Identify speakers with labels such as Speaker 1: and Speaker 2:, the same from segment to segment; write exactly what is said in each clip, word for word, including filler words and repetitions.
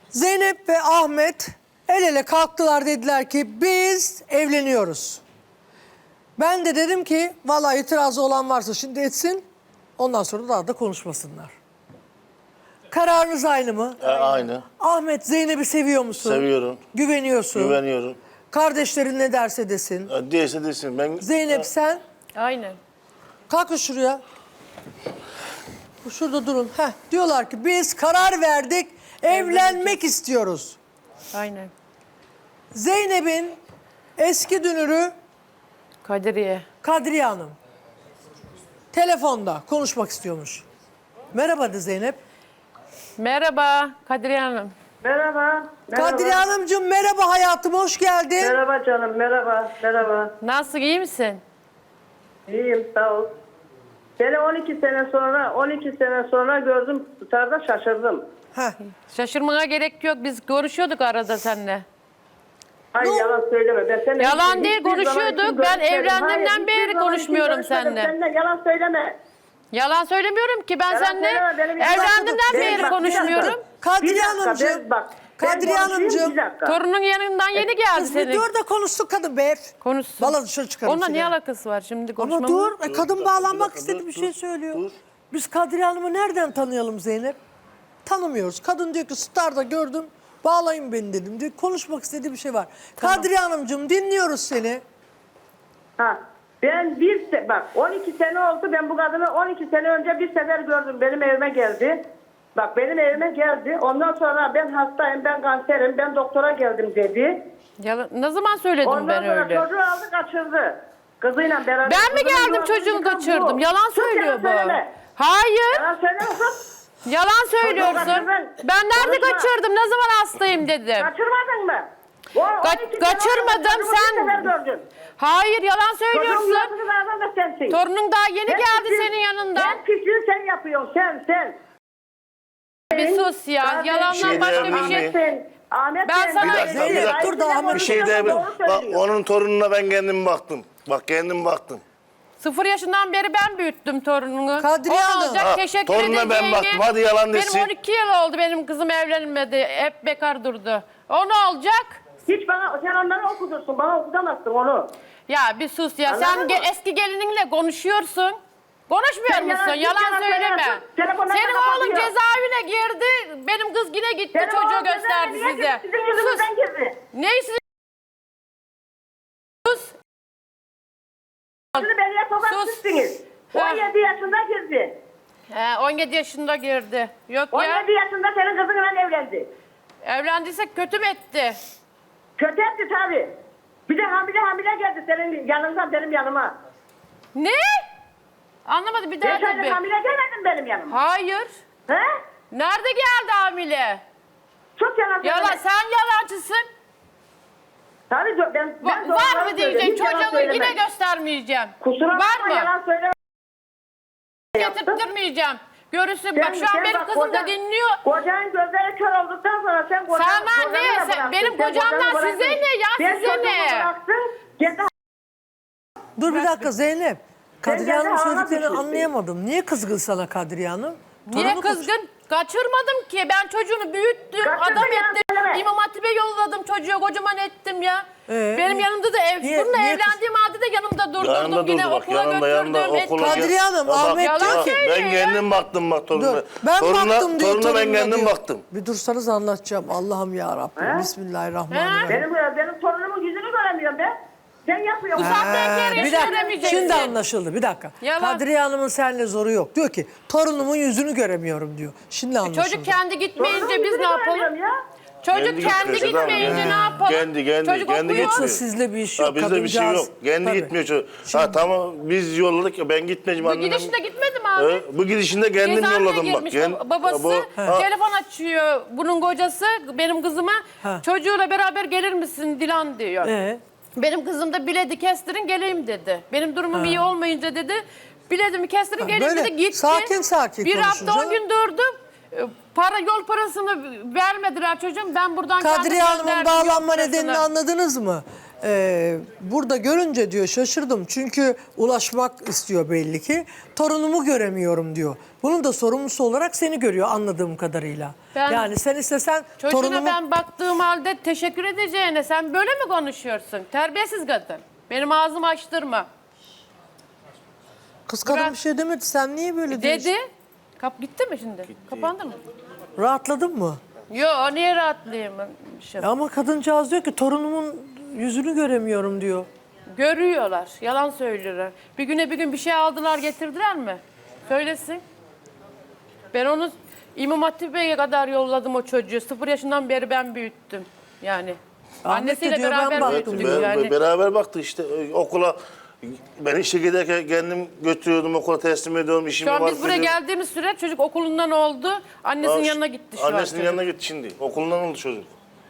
Speaker 1: Zeynep ve Ahmet el ele kalktılar, dediler ki biz evleniyoruz. Ben de dedim ki vallahi itirazı olan varsa şimdi etsin, ondan sonra daha da konuşmasınlar. Kararınız aynı mı?
Speaker 2: E, aynı.
Speaker 1: Ahmet, Zeynep'i seviyor musun?
Speaker 2: Seviyorum.
Speaker 1: Güveniyorsun.
Speaker 2: Güveniyorum.
Speaker 1: Kardeşlerin ne derse desin.
Speaker 2: E, Değilse desin. Ben...
Speaker 1: Zeynep sen
Speaker 3: Aynen.
Speaker 1: kalkın şuraya. Şurada durun. Heh, diyorlar ki biz karar verdik, evlenmek istiyoruz.
Speaker 3: Aynen.
Speaker 1: Zeynep'in eski dünürü
Speaker 3: Kadriye.
Speaker 1: Kadriye Hanım telefonda konuşmak istiyormuş. Merhaba de Zeynep.
Speaker 3: Merhaba Kadriye Hanım.
Speaker 4: Merhaba. Merhaba.
Speaker 1: Kadriye Hanımcığım merhaba hayatım, hoş geldin.
Speaker 4: Merhaba canım, merhaba, merhaba.
Speaker 3: Nasıl, iyi misin?
Speaker 4: İyiyim, sağ ol. Seni on iki sene sonra, on iki sene sonra gördüm, tutarda şaşırdım.
Speaker 1: Heh.
Speaker 3: Şaşırmana gerek yok. Biz görüşüyorduk arada seninle.
Speaker 4: Ay yalan söyleme. Ben seninle
Speaker 3: Yalan
Speaker 4: hiç-
Speaker 3: değil,
Speaker 4: hiçbir zaman
Speaker 3: konuşuyorduk.
Speaker 4: için
Speaker 3: Ben
Speaker 4: görüşmedim.
Speaker 3: evlendiğimden
Speaker 4: Hayır, hiçbir
Speaker 3: beri
Speaker 4: zaman
Speaker 3: konuşmuyorum
Speaker 4: için görüşmedim.
Speaker 3: seninle.
Speaker 4: Seninle yalan söyleme.
Speaker 3: Yalan söylemiyorum ki, ben
Speaker 4: Yalan
Speaker 3: seninle
Speaker 4: söyleme, benim yalan-
Speaker 3: evlendiğimden
Speaker 4: Benim
Speaker 3: beri
Speaker 4: bak,
Speaker 3: konuşmuyorum.
Speaker 4: bir dakika.
Speaker 1: Kadriye
Speaker 4: Bir dakika,
Speaker 1: Hanımcığım.
Speaker 4: ben- bak, ben
Speaker 1: Kadriye
Speaker 4: konuşayım,
Speaker 1: Hanımcığım.
Speaker 4: bir dakika.
Speaker 3: Torunun yanından yeni geldi
Speaker 1: Kız bir
Speaker 3: senin.
Speaker 1: dur da konuşsun kadın be.
Speaker 3: Konuşsun.
Speaker 1: Vallahi dışarı çıkarım
Speaker 3: Onunla
Speaker 1: seni.
Speaker 3: ne alakası var şimdi
Speaker 1: Ama
Speaker 3: konuşmamın?
Speaker 1: dur, e, kadın
Speaker 2: dur,
Speaker 1: bağlanmak
Speaker 2: dur,
Speaker 1: istedi,
Speaker 2: dur,
Speaker 1: bir
Speaker 2: dur,
Speaker 1: şey söylüyor.
Speaker 2: dur.
Speaker 1: Biz Kadriye Hanım'ı nereden tanıyalım Zeynep? Tanımıyoruz. Kadın diyor ki Star'da gördüm, bağlayın beni dedim diyor. Konuşmak istediği bir şey var. Kadriye Hanımcığım dinliyoruz seni.
Speaker 4: Ha. Ben bir se bak on iki sene oldu, ben bu kadını on iki sene önce bir sefer gördüm, benim evime geldi. Bak benim evime geldi, ondan sonra ben hastayım, ben kanserim, ben doktora geldim dedi.
Speaker 3: Yalan, ne zaman söyledim
Speaker 4: Ondan
Speaker 3: ben
Speaker 4: sonra
Speaker 3: öyle?
Speaker 4: çocuğu aldı kaçırdı. Kızıyla beraber.
Speaker 3: Ben mi
Speaker 4: Kızının
Speaker 3: geldim
Speaker 4: yuvasını
Speaker 3: çocuğunu
Speaker 4: yıkan
Speaker 3: kaçırdım?
Speaker 4: bu.
Speaker 3: Yalan
Speaker 4: Sus,
Speaker 3: söylüyor
Speaker 4: yalan
Speaker 3: bu.
Speaker 4: söyleme.
Speaker 3: Hayır.
Speaker 4: Yalan söyleme kız.
Speaker 3: Yalan söylüyorsun.
Speaker 4: kaçırdın.
Speaker 3: Ben nerede
Speaker 4: Konuşma.
Speaker 3: kaçırdım? Ne zaman hastayım dedim.
Speaker 4: Kaçırmadın mı? O,
Speaker 3: Ka-
Speaker 4: on iki sene
Speaker 3: kaçırmadım,
Speaker 4: oldu, çocuğu
Speaker 3: sen-
Speaker 4: bir sefer gördün.
Speaker 3: Hayır, yalan
Speaker 4: Çocuğun
Speaker 3: söylüyorsun.
Speaker 4: yuvasını verden de sensin.
Speaker 3: Torunun daha yeni
Speaker 4: Sen
Speaker 3: geldi
Speaker 4: pisliği-
Speaker 3: senin yanından.
Speaker 4: Sen pisliği sen yapıyorsun, sen, sen.
Speaker 3: Bir sus ya.
Speaker 4: Kardeşim,
Speaker 3: Yalandan
Speaker 2: şey
Speaker 3: başka bir
Speaker 2: diyebilir
Speaker 3: şey.
Speaker 2: miyim?
Speaker 4: Sen, Ahmet
Speaker 3: Ben
Speaker 4: sen-
Speaker 3: sana-
Speaker 2: Bir dakika, bir dakika.
Speaker 1: Dur da Ahmet-
Speaker 2: Bir şey diyebilirim.
Speaker 4: Doğru
Speaker 2: Bak
Speaker 4: söylüyor.
Speaker 2: onun torununa ben kendim baktım. Bak kendim baktım.
Speaker 3: Sıfır yaşından beri ben büyüttüm torununu.
Speaker 1: Kadriye
Speaker 3: O
Speaker 1: Hanım.
Speaker 3: olacak,
Speaker 2: Ha,
Speaker 3: teşekkür
Speaker 2: torununa ben
Speaker 3: edeceğini.
Speaker 2: baktım. Hadi yalan desin.
Speaker 3: Benim on iki yıl oldu, benim kızım evlenmedi. Hep bekar durdu. O ne olacak?
Speaker 4: Hiç bana, sen onları okudursun, bana okutamazsın onu.
Speaker 3: Ya bir sus ya.
Speaker 4: Anladın
Speaker 3: Sen
Speaker 4: mı?
Speaker 3: ge- eski gelininle konuşuyorsun. Konuşmuyor
Speaker 4: Sen
Speaker 3: musun?
Speaker 4: yalan-
Speaker 3: Yalan,
Speaker 4: yalan
Speaker 3: söyleme.
Speaker 4: söyleme. Telefonla
Speaker 3: Senin
Speaker 4: da
Speaker 3: oğlun
Speaker 4: kapatıyor.
Speaker 3: cezaevine girdi. Benim kız yine gitti,
Speaker 4: Senin
Speaker 3: çocuğu
Speaker 4: oğlun
Speaker 3: gösterdi
Speaker 4: cezaevine
Speaker 3: size.
Speaker 4: girdi, sizin
Speaker 3: Sus.
Speaker 4: yüzünüzden girdi.
Speaker 3: Ne sizin? Sus.
Speaker 4: Şimdi beni sokak
Speaker 3: Sus.
Speaker 4: sizsiniz.
Speaker 3: Ha.
Speaker 4: on yedi yaşında girdi.
Speaker 3: He, on yedi yaşında girdi. Yok
Speaker 4: on
Speaker 3: ya.
Speaker 4: yedi yaşında senin kızınla evlendi.
Speaker 3: Evlendiysek kötü mü etti?
Speaker 4: Kötü etti tabii. Bir de hamile hamile geldi senin yanından benim yanıma.
Speaker 3: Ne? Anlamadım, bir daha
Speaker 4: Beş aylık
Speaker 3: tabii.
Speaker 4: hamile gelmedin benim yanıma.
Speaker 3: Hayır.
Speaker 4: He?
Speaker 3: Nerede geldi hamile?
Speaker 4: Çok yalan
Speaker 3: Yalan,
Speaker 4: söyleme.
Speaker 3: sen yalancısın.
Speaker 4: Tabii do- ben, ben
Speaker 3: Va- var
Speaker 4: doğruları
Speaker 3: mı
Speaker 4: söylüyorum.
Speaker 3: diyeceksin?
Speaker 4: Hiç yalan
Speaker 3: Çocuğumu
Speaker 4: söyleme.
Speaker 3: yine göstermeyeceğim.
Speaker 4: Kusura
Speaker 3: Var
Speaker 4: bakma
Speaker 3: mı?
Speaker 4: yalan söyleme.
Speaker 3: Getirttirmeyeceğim. Görürsün bak, şu an
Speaker 4: sen
Speaker 3: benim
Speaker 4: bak,
Speaker 3: kızım da
Speaker 4: kocan-
Speaker 3: dinliyor.
Speaker 4: Kocanın gözleri kör olduktan sonra sen kocanı
Speaker 3: Sana
Speaker 4: kocanı
Speaker 3: ne?
Speaker 4: da
Speaker 3: Sen-
Speaker 4: bıraktın.
Speaker 3: benim
Speaker 4: Sen
Speaker 3: kocamdan
Speaker 4: kocanı
Speaker 3: size
Speaker 4: bıraktın.
Speaker 3: ne ya?
Speaker 4: Ben
Speaker 3: Size
Speaker 4: çocuğumu
Speaker 3: ne?
Speaker 4: bıraktım, kendi
Speaker 1: Dur bir dakika Zeynep. Kadriye
Speaker 4: kendi
Speaker 1: Hanım
Speaker 4: halına
Speaker 1: söylediklerini
Speaker 4: düşürsün.
Speaker 1: anlayamadım. Niye kızgın sana Kadriye Hanım?
Speaker 3: Niye
Speaker 1: Torunu kaç-
Speaker 3: kızgın? Kaçırmadım ki. Ben çocuğunu büyüttüm,
Speaker 4: Kaçırdın
Speaker 3: adam
Speaker 4: ya,
Speaker 3: ettim.
Speaker 4: söyleme.
Speaker 3: İmam Hatip'e yolladım çocuğu, kocaman ettim ya.
Speaker 1: Ee,
Speaker 3: Benim yanımda da ev,
Speaker 1: niye-
Speaker 3: bununla
Speaker 1: niye
Speaker 3: evlendiğim halde de yanımda durdurdum.
Speaker 2: Yanında
Speaker 3: Yine
Speaker 2: durdu bak.
Speaker 3: okula
Speaker 2: Yanında yanında
Speaker 3: götürdüm.
Speaker 2: okula.
Speaker 3: ettim.
Speaker 1: Kadriye Hanım,
Speaker 2: Ya bak,
Speaker 1: Ahmet
Speaker 3: Yalan
Speaker 1: diyor
Speaker 2: bak,
Speaker 1: ki-
Speaker 3: söylüyor
Speaker 2: ben
Speaker 3: ya.
Speaker 2: kendim baktım bak torununa.
Speaker 1: Dur. Ben
Speaker 2: torununa,
Speaker 1: baktım diyor.
Speaker 2: torununa ben
Speaker 1: torununa
Speaker 2: kendim
Speaker 1: diyor.
Speaker 2: baktım.
Speaker 1: Bir dursanız anlatacağım. Allah'ım ya Rabbim.
Speaker 4: He?
Speaker 1: Bismillahirrahmanirrahim.
Speaker 4: benim benim torunumun yüzünü göremiyorum ben. Sen yapıyorsun.
Speaker 3: Bu saatten
Speaker 1: Ha,
Speaker 3: geri
Speaker 1: bir dakika.
Speaker 3: göremeyeceksin.
Speaker 1: Şimdi anlaşıldı. Bir dakika.
Speaker 3: Yalan.
Speaker 1: Kadriye Hanım'ın seninle zoru yok. Diyor ki torunumun yüzünü göremiyorum diyor. Şimdi anlaşıldı.
Speaker 3: Çocuk kendi gitmeyince
Speaker 4: Torunumun
Speaker 3: biz
Speaker 4: yüzünü
Speaker 3: ne yapalım?
Speaker 4: göremiyorum ya.
Speaker 3: Çocuk
Speaker 2: Kendi
Speaker 3: kendi
Speaker 2: gitmiyor,
Speaker 3: gitmeyince
Speaker 2: Sedat
Speaker 3: ne
Speaker 2: abi.
Speaker 3: yapalım?
Speaker 2: Kendi, kendi,
Speaker 3: Çocuk
Speaker 2: kendi
Speaker 3: okuyor.
Speaker 2: gitmiyor.
Speaker 1: Sizle bir iş yok.
Speaker 2: Ha, bizde bir şey yok.
Speaker 1: kadıncağız.
Speaker 2: Kendi
Speaker 1: Tabii.
Speaker 2: gitmiyor çocuk. Ha tamam biz yolladık ya ben gitmeyeceğim
Speaker 3: Bu
Speaker 2: annem.
Speaker 3: gidişinde gitmedi mi abi?
Speaker 2: Ee, bu gidişinde kendim
Speaker 3: Cezaevine
Speaker 2: yolladım bak.
Speaker 3: girmiş
Speaker 2: Kend-
Speaker 3: babası.
Speaker 2: Bu- ha,
Speaker 3: Telefon açıyor bunun kocası benim kızıma.
Speaker 1: Ha.
Speaker 3: Çocuğuyla beraber gelir misin Dilan diyor.
Speaker 1: Ee?
Speaker 3: Benim kızım da biledi kestirin geleyim dedi. Benim durumum iyi olmayınca dedi. Biledimi kestirin
Speaker 1: Ha,
Speaker 3: geleyim
Speaker 1: böyle
Speaker 3: dedi. Gitti.
Speaker 1: sakin sakin
Speaker 3: Bir
Speaker 1: konuşun
Speaker 3: hafta on
Speaker 1: canım.
Speaker 3: gün durdum. Ee, Para yol parasını vermediler çocuğum. Ben buradan
Speaker 1: Kadriye
Speaker 3: kendim
Speaker 1: Hanım'ın
Speaker 3: gönderdim yol
Speaker 1: bağlanma
Speaker 3: parasını.
Speaker 1: nedenini anladınız mı? Ee, burada görünce diyor şaşırdım. Çünkü ulaşmak istiyor belli ki. Torunumu göremiyorum diyor. Bunun da sorumlusu olarak seni görüyor anladığım kadarıyla.
Speaker 3: Ben-
Speaker 1: yani sen istesen
Speaker 3: Çocuğuna
Speaker 1: torunumu...
Speaker 3: ben baktığım halde teşekkür edeceğine sen böyle mi konuşuyorsun? Terbiyesiz kadın. Benim ağzımı açtırma.
Speaker 1: Kız kadın
Speaker 3: Bırak.
Speaker 1: bir şey demedi. Sen niye böyle diyorsun?
Speaker 3: Dedi. Kap gitti mi şimdi? Kapandı mı?
Speaker 1: Rahatladın mı?
Speaker 3: Yo niye rahatlayayım? Şey.
Speaker 1: E ama kadıncağız diyor ki torunumun yüzünü göremiyorum diyor.
Speaker 3: Görüyorlar. Yalan söylüyorlar. Bir güne bir gün bir şey aldılar getirdiler mi? Söylesin. Ben onu İmam Hatip'e kadar yolladım o çocuğu. Sıfır yaşından beri ben büyüttüm. Yani.
Speaker 1: Ahmet de
Speaker 3: Annesiyle
Speaker 1: diyor, ben
Speaker 3: beraber
Speaker 1: baktım
Speaker 3: büyüttük
Speaker 2: Be-
Speaker 3: yani.
Speaker 2: Beraber baktık işte e, okula. Ben işe giderken kendim götürüyordum, okula teslim ediyorum. İşim
Speaker 3: Şu an
Speaker 2: var
Speaker 3: biz buraya
Speaker 2: dedim.
Speaker 3: geldiğimiz süre çocuk okulundan oldu. Annesinin
Speaker 2: Aa,
Speaker 3: yanına gitti şu an.
Speaker 2: Annesinin
Speaker 3: çocuk.
Speaker 2: yanına gitti şimdi. Okulundan oldu çocuk.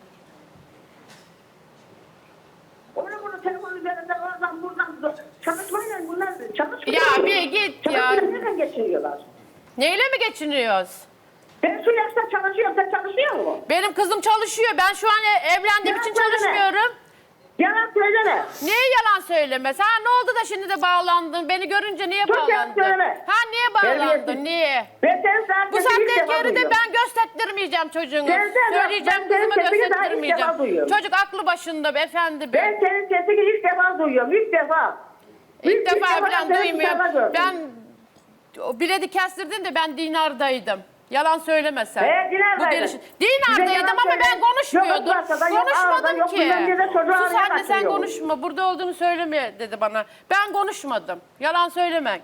Speaker 4: Onu bunu telefon üzerinde oradan buradan çalışmayla bunlar çalışmıyor.
Speaker 3: Ya bir git ya.
Speaker 4: Çalışmayla nereden geçiniyorlar?
Speaker 3: Neyle mi geçiniyoruz?
Speaker 4: Ben şu yaşta çalışıyorum, sen çalışıyor musun?
Speaker 3: Benim kızım çalışıyor. Ben şu an e- evlendiğim
Speaker 4: Yalan
Speaker 3: için
Speaker 4: söyleme.
Speaker 3: çalışmıyorum.
Speaker 4: Yalan söyleme.
Speaker 3: Niye yalan söyleme? Sen ne oldu da şimdi de bağlandın? Beni görünce niye
Speaker 4: Dur, yalan
Speaker 3: bağlandın?
Speaker 4: söyleme.
Speaker 3: Ha niye bağlandın?
Speaker 4: Terbiyesiz.
Speaker 3: Niye?
Speaker 4: Ben senin zaten
Speaker 3: Bu saatten geri de ben gösterttirmeyeceğim çocuğunu.
Speaker 4: Sen- sen-
Speaker 3: Söyleyeceğim
Speaker 4: ben senin
Speaker 3: kızıma
Speaker 4: sesini daha ilk defa
Speaker 3: gösterttirmeyeceğim.
Speaker 4: duyuyorum.
Speaker 3: Çocuk aklı başında beyefendi be.
Speaker 4: Ben senin sesini ilk defa duyuyorum, ilk defa.
Speaker 3: İlk defa falan
Speaker 4: seni ilk
Speaker 3: duymuyorum.
Speaker 4: defa gördüm.
Speaker 3: Ben o biledi kestirdin de ben dinardaydım. Yalan söylemesen.
Speaker 4: He, dinardaydın.
Speaker 3: Bu geliş...
Speaker 4: Bize
Speaker 3: Dinardaydım
Speaker 4: yalan
Speaker 3: ama
Speaker 4: söyle.
Speaker 3: ben konuşmuyordum.
Speaker 4: Yok Bursa'da, yok Ağrı'da,
Speaker 3: Konuşmadım
Speaker 4: yok
Speaker 3: ki.
Speaker 4: bilmem nerede çocuğu
Speaker 3: Sus
Speaker 4: araya
Speaker 3: anne sen
Speaker 4: kaçırıyor.
Speaker 3: konuşma. Burada olduğunu söyleme dedi bana. Ben konuşmadım. Yalan söylemek.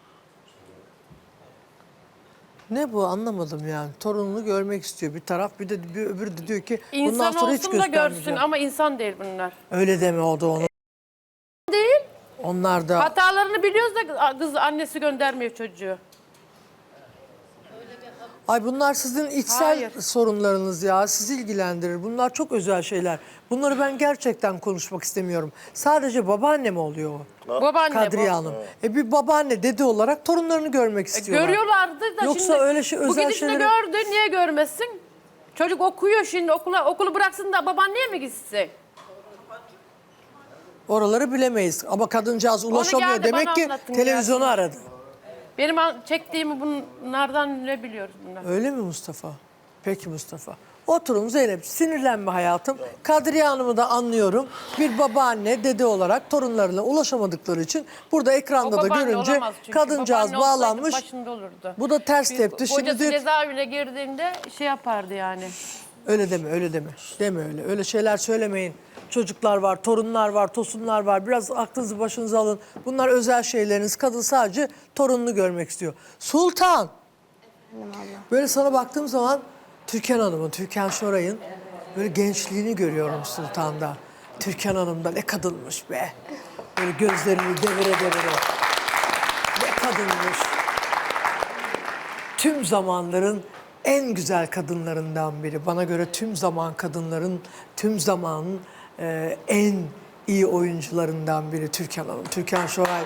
Speaker 1: Ne bu anlamadım yani. Torununu görmek istiyor bir taraf. Bir de bir öbürü de diyor ki bundan
Speaker 3: İnsan
Speaker 1: sonra hiç
Speaker 3: olsun da görsün
Speaker 1: göstermeyeceğim.
Speaker 3: ama insan değil bunlar.
Speaker 1: Öyle deme o da onu.
Speaker 3: Değil.
Speaker 1: Onlar da
Speaker 3: Hatalarını biliyoruz da kız annesi göndermiyor çocuğu.
Speaker 1: ay bunlar sizin içsel
Speaker 3: Hayır.
Speaker 1: sorunlarınız ya. Sizi ilgilendirir. Bunlar çok özel şeyler. Bunları ben gerçekten konuşmak istemiyorum. Sadece babaanne mi oluyor o?
Speaker 3: Babaanne
Speaker 1: Kadriye
Speaker 3: bu.
Speaker 1: Hanım. E bir babaanne dede olarak torunlarını görmek istiyorlar.
Speaker 3: Görüyorlardı da
Speaker 1: Yoksa
Speaker 3: şimdi
Speaker 1: öyle şey-
Speaker 3: bu
Speaker 1: özel
Speaker 3: gidişinde
Speaker 1: şeyleri-
Speaker 3: gördü niye görmesin? Çocuk okuyor şimdi okula okulu bıraksın da babaanneye mi gitsin?
Speaker 1: Oraları bilemeyiz. Ama kadıncağız ulaşamıyor.
Speaker 3: geldi,
Speaker 1: Demek
Speaker 3: bana
Speaker 1: ki
Speaker 3: anlatın
Speaker 1: televizyonu aradı.
Speaker 3: Benim an- çektiğimi bunlardan ne biliyoruz bunlar?
Speaker 1: Öyle mi Mustafa? Peki Mustafa. Oturun Zeynep, sinirlenme hayatım. Kadriye Hanım'ı da anlıyorum. Bir babaanne, dede olarak torunlarına ulaşamadıkları için burada ekranda
Speaker 3: O
Speaker 1: da
Speaker 3: babaanne
Speaker 1: görünce
Speaker 3: olamaz çünkü.
Speaker 1: kadıncağız
Speaker 3: Babaanne olsaydı
Speaker 1: bağlanmış.
Speaker 3: başında olurdu.
Speaker 1: Bu da ters
Speaker 3: Biz-
Speaker 1: tepti. Şimdi
Speaker 3: Kocası
Speaker 1: diyor ki-
Speaker 3: cezaevine girdiğinde şey yapardı yani.
Speaker 1: öyle deme, öyle deme. Deme öyle. Öyle şeyler söylemeyin. Çocuklar var, torunlar var, tosunlar var. Biraz aklınızı başınıza alın. Bunlar özel şeyleriniz. Kadın sadece torununu görmek istiyor. Sultan. Böyle sana baktığım zaman Türkan Hanım'ın, Türkan Şoray'ın böyle gençliğini görüyorum Sultan'da. Türkan Hanım'da ne kadınmış be. Böyle gözlerini devire devire. Ne kadınmış. Tüm zamanların en güzel kadınlarından biri. Bana göre tüm zaman kadınların, tüm zamanın e, en iyi oyuncularından biri Türkan Hanım. Türkan Şoray.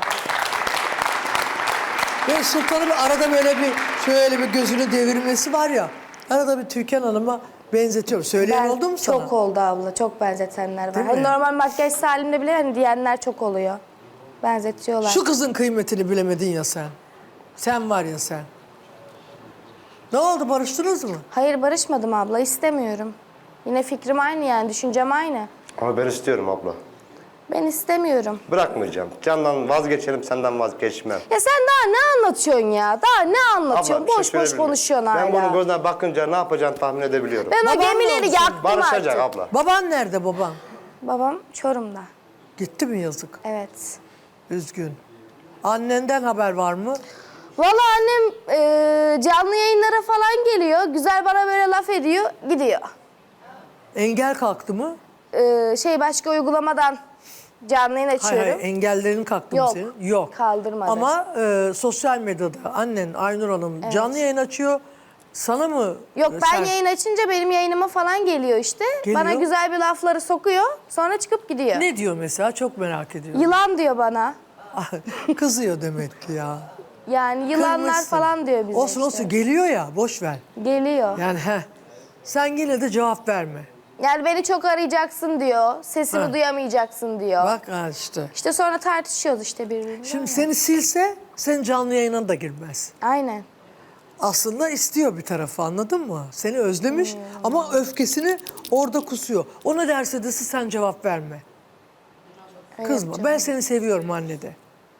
Speaker 1: Ve Sultan'ın arada böyle bir şöyle bir gözünü devirmesi var ya. Arada bir Türkan Hanım'a benzetiyorum. Söyleyen
Speaker 5: Ben-
Speaker 1: oldu mu sana?
Speaker 5: Çok oldu abla. Çok benzetenler var.
Speaker 1: Değil
Speaker 5: Hani
Speaker 1: mi?
Speaker 5: normal makyaj halimde bile hani diyenler çok oluyor. Benzetiyorlar.
Speaker 1: Şu kızın kıymetini bilemedin ya sen. Sen var ya sen. Ne oldu, barıştınız mı?
Speaker 5: Hayır barışmadım abla. İstemiyorum. Yine fikrim aynı yani. Düşüncem aynı.
Speaker 6: Ama ben istiyorum abla.
Speaker 5: Ben istemiyorum.
Speaker 6: Bırakmayacağım. Candan vazgeçerim, senden vazgeçmem.
Speaker 5: Ya sen daha ne anlatıyorsun ya? Daha ne anlatıyorsun?
Speaker 6: Abla, bir şey
Speaker 5: boş boş
Speaker 6: söyleyebilir miyim?
Speaker 5: konuşuyorsun
Speaker 6: Ben
Speaker 5: hala.
Speaker 6: bunun gözüne bakınca ne yapacağını tahmin edebiliyorum.
Speaker 5: Ben o
Speaker 1: Baban ne
Speaker 5: gemileri
Speaker 1: oldu
Speaker 5: yaktım
Speaker 6: Barışacak
Speaker 5: artık.
Speaker 6: abla.
Speaker 1: Baban nerede baban?
Speaker 5: Babam Çorum'da.
Speaker 1: Gitti mi yazık?
Speaker 5: Evet.
Speaker 1: Üzgün. Annenden haber var mı?
Speaker 5: Vallahi annem e, canlı yayınlara falan geliyor. Güzel bana böyle laf ediyor. Gidiyor.
Speaker 1: Engel kalktı mı?
Speaker 5: E, şey başka uygulamadan canlı yayın
Speaker 1: Hayır,
Speaker 5: açıyorum.
Speaker 1: hayır engellerin kalktı
Speaker 5: Yok,
Speaker 1: mı senin? Yok.
Speaker 5: kaldırmadı.
Speaker 1: Ama e, sosyal medyada annen Aynur Hanım canlı yayın açıyor. Sana mı?
Speaker 5: Yok ben
Speaker 1: sen-
Speaker 5: yayın açınca benim yayınıma falan geliyor işte.
Speaker 1: Geliyor.
Speaker 5: Bana güzel bir lafları sokuyor. Sonra çıkıp gidiyor.
Speaker 1: Ne diyor mesela? Çok merak ediyorum.
Speaker 5: Yılan diyor bana.
Speaker 1: Kızıyor demek ki ya.
Speaker 5: Yani yılanlar
Speaker 1: Kırmışsın.
Speaker 5: falan diyor bize
Speaker 1: Olsun
Speaker 5: işte.
Speaker 1: olsun geliyor ya, boş ver.
Speaker 5: Geliyor.
Speaker 1: Yani he. Sen yine de cevap verme.
Speaker 5: Yani beni çok arayacaksın diyor. Sesimi
Speaker 1: Ha.
Speaker 5: duyamayacaksın diyor.
Speaker 1: Bak ha işte.
Speaker 5: İşte sonra tartışıyoruz işte birbirimizle.
Speaker 1: Şimdi seni silse senin canlı yayına da girmez.
Speaker 5: Aynen.
Speaker 1: Aslında istiyor bir tarafı, anladın mı? Seni özlemiş ama öfkesini orada kusuyor. O ne derse desin sen cevap verme. Kızma. Ben seni seviyorum anne de.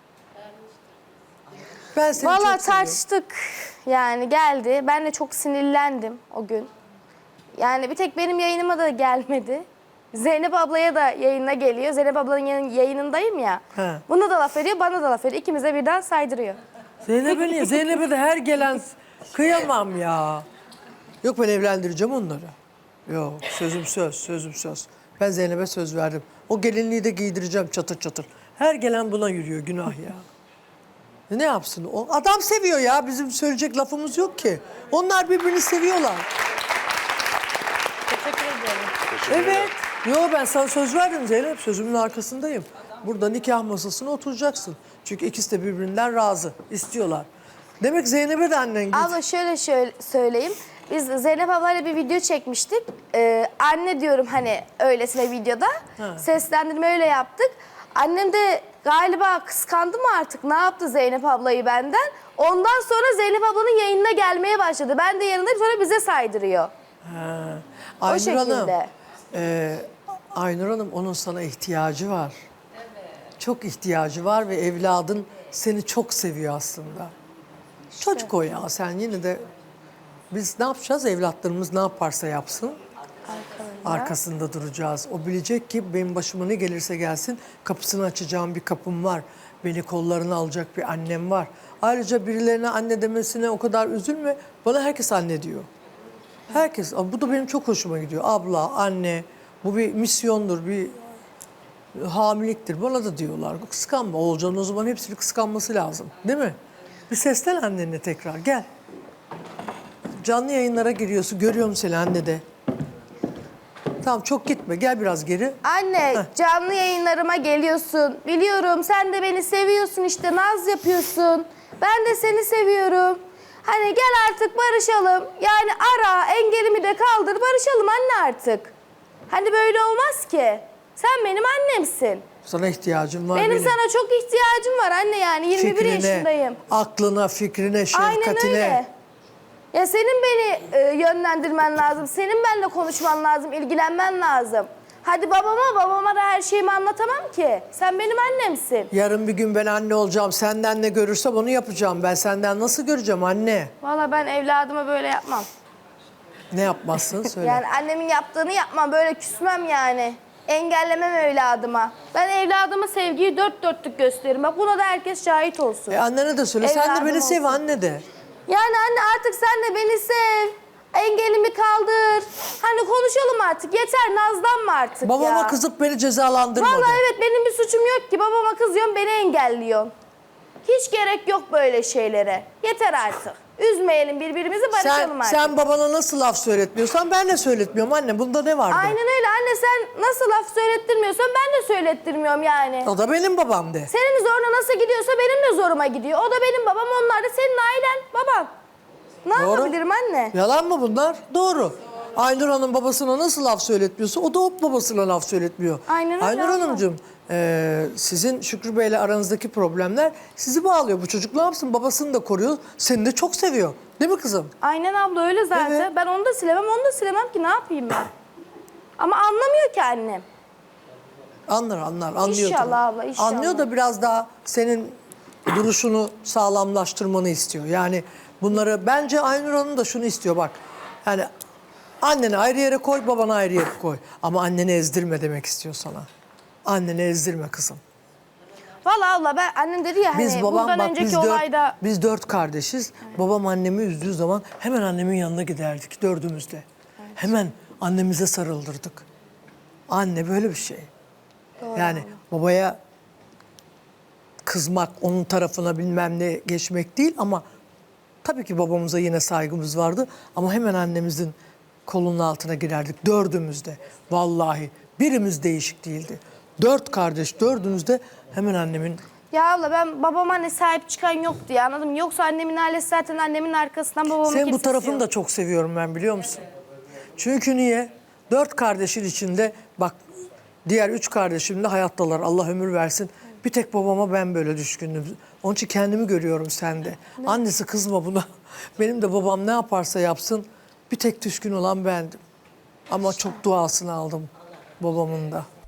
Speaker 1: Ben seni
Speaker 5: Vallahi
Speaker 1: çok seviyorum.
Speaker 5: tartıştık. Yani geldi. Ben de çok sinirlendim o gün. Yani bir tek benim yayınıma da gelmedi. Zeynep ablaya da yayına geliyor. Zeynep ablanın yayın- yayınındayım ya.
Speaker 1: He.
Speaker 5: Buna da laf ediyor, bana da laf ediyor. İkimize birden saydırıyor.
Speaker 1: Zeynep'e niye? Zeynep'e de her gelen kıyamam ya. Yok ben evlendireceğim onları. Yok sözüm söz, sözüm söz. Ben Zeynep'e söz verdim. O gelinliği de giydireceğim çatır çatır. Her gelen buna yürüyor, günah ya. Ne yapsın? O adam seviyor ya. Bizim söyleyecek lafımız yok ki. Onlar birbirini seviyorlar.
Speaker 3: Teşekkür ederim.
Speaker 1: Evet. Yo ben sana söz verdim Zeynep. Sözümün arkasındayım. Burada nikah masasına oturacaksın. Çünkü ikisi de birbirinden razı. İstiyorlar. Demek Zeynep'e de annen git.
Speaker 5: Abla şöyle şöyle söyleyeyim. Biz Zeynep ablayla bir video çekmiştik. Ee, anne diyorum hani öylesine videoda. Seslendirme öyle yaptık. Annem de galiba kıskandı mı artık? Ne yaptı Zeynep ablayı benden? Ondan sonra Zeynep ablanın yayınına gelmeye başladı. Ben de yanındayım, sonra bize saydırıyor.
Speaker 1: Ha.
Speaker 5: O
Speaker 1: Aynur
Speaker 5: şekilde.
Speaker 1: Hanım, e, Aynur Hanım onun sana ihtiyacı var. Çok ihtiyacı var ve evladın seni çok seviyor aslında. Çocuk o ya, sen yine de biz ne yapacağız? Evlatlarımız ne yaparsa yapsın. Arkasında duracağız. O bilecek ki benim başıma ne gelirse gelsin kapısını açacağım bir kapım var. Beni kollarına alacak bir annem var. Ayrıca birilerine anne demesine o kadar üzülme. Bana herkes anne diyor. Herkes. Bu da benim çok hoşuma gidiyor. Abla, anne. Bu bir misyondur, bir hamiliktir. Bana da diyorlar. Kıskanma. Oğulcan'ın o zaman hepsini kıskanması lazım. Değil mi? Bir seslen annene tekrar. Gel. Canlı yayınlara giriyorsun. Görüyorum seni anne de. Tamam çok gitme. Gel biraz geri.
Speaker 5: Anne canlı yayınlarıma geliyorsun. Biliyorum sen de beni seviyorsun işte, naz yapıyorsun. Ben de seni seviyorum. Hani gel artık barışalım. Yani ara, engelimi de kaldır, barışalım anne artık. Hani böyle olmaz ki. Sen benim annemsin.
Speaker 1: Sana ihtiyacım var
Speaker 5: Benim,
Speaker 1: benim.
Speaker 5: sana çok ihtiyacım var anne, yani yirmi bir yaşındayım.
Speaker 1: aklına, fikrine,
Speaker 5: Aynen
Speaker 1: şefkatine.
Speaker 5: öyle. Ya senin beni e, yönlendirmen lazım. Senin benimle konuşman lazım, ilgilenmen lazım. Hadi babama, babama da her şeyimi anlatamam ki. Sen benim annemsin.
Speaker 1: Yarın bir gün ben anne olacağım. Senden ne görürsem onu yapacağım. Ben senden nasıl göreceğim anne?
Speaker 5: Vallahi ben evladıma böyle yapmam.
Speaker 1: Ne yapmazsın söyle.
Speaker 5: Yani annemin yaptığını yapmam, böyle küsmem yani. Engellemem evladıma. Ben evladıma sevgiyi dört dörtlük gösteririm. Bak buna da herkes şahit olsun.
Speaker 1: E annene de söyle. Sen de
Speaker 5: Evladım
Speaker 1: beni sev
Speaker 5: olsun.
Speaker 1: anne de.
Speaker 5: Yani anne artık sen de beni sev. Engelimi kaldır. Hani konuşalım artık. Yeter, nazlanma artık
Speaker 1: Babama
Speaker 5: ya.
Speaker 1: kızıp beni cezalandırma
Speaker 5: Vallahi
Speaker 1: de.
Speaker 5: evet, benim bir suçum yok ki. Babama kızıyorsun, beni engelliyorsun. Hiç gerek yok böyle şeylere. Yeter artık. Üzmeyelim birbirimizi, barışalım
Speaker 1: Sen,
Speaker 5: artık.
Speaker 1: sen babana nasıl laf söyletmiyorsan ben de söyletmiyorum anne. Bunda ne var de.
Speaker 5: Aynen öyle anne, sen nasıl laf söylettirmiyorsan ben de söylettirmiyorum yani.
Speaker 1: O da benim babam de.
Speaker 5: Senin zoruna nasıl gidiyorsa benim de zoruma gidiyor. O da benim babam, onlar da senin ailen, baban. Ne
Speaker 1: Doğru.
Speaker 5: yapabilirim anne?
Speaker 1: Yalan mı bunlar? Doğru. Aynur Hanım babasına nasıl laf söyletmiyorsa o da o babasına laf söyletmiyor.
Speaker 5: Aynen öyle
Speaker 1: Aynur
Speaker 5: abla.
Speaker 1: Hanımcığım e, sizin Şükrü Bey'le aranızdaki problemler sizi bağlıyor. Bu çocuk ne yapsın? Babasını da koruyor. Seni de çok seviyor. Değil mi kızım?
Speaker 5: Aynen abla, öyle zaten.
Speaker 1: Evet.
Speaker 5: Ben onu da silemem, onu da silemem ki, ne yapayım ben? Ama anlamıyor ki annem.
Speaker 1: Anlar anlar anlıyor.
Speaker 5: İnşallah
Speaker 1: tabii.
Speaker 5: abla, inşallah.
Speaker 1: Anlıyor da biraz daha senin duruşunu sağlamlaştırmanı istiyor. Yani bunları bence Aynur Hanım da şunu istiyor bak. Yani anneni ayrı yere koy, babanı ayrı yere koy. Ama anneni ezdirme demek istiyor sana. Anneni ezdirme kızım.
Speaker 5: Vallahi abla, ben annem dedi ya
Speaker 1: Biz
Speaker 5: hani
Speaker 1: babam
Speaker 5: buradan
Speaker 1: bak
Speaker 5: önceki
Speaker 1: biz dört,
Speaker 5: olayda...
Speaker 1: biz dört kardeşiz. Babam annemi üzdüğü zaman hemen annemin yanına giderdik dördümüzde. Hemen annemize sarıldırdık. Anne böyle bir şey. Yani babaya kızmak, onun tarafına bilmem ne geçmek değil ama tabii ki babamıza yine saygımız vardı. Ama hemen annemizin kolunun altına girerdik dördümüzde. Vallahi birimiz değişik değildi. Dört kardeş dördümüzde hemen annemin...
Speaker 5: Ya abla, ben babama hani sahip çıkan yoktu ya, anladın mı? Yoksa annemin ailesi zaten annemin arkasından babamın
Speaker 1: Senin bu
Speaker 5: kimsesi
Speaker 1: tarafını
Speaker 5: yok.
Speaker 1: da çok seviyorum ben, biliyor musun? Çünkü niye? Dört kardeşin içinde bak diğer üç kardeşim de hayattalar. Allah ömür versin. Bir tek babama ben böyle düşkündüm. Onun için kendimi görüyorum sende. Annesi kızma buna. Benim de babam ne yaparsa yapsın bir tek düşkün olan bendim. Ama çok duasını aldım babamın da.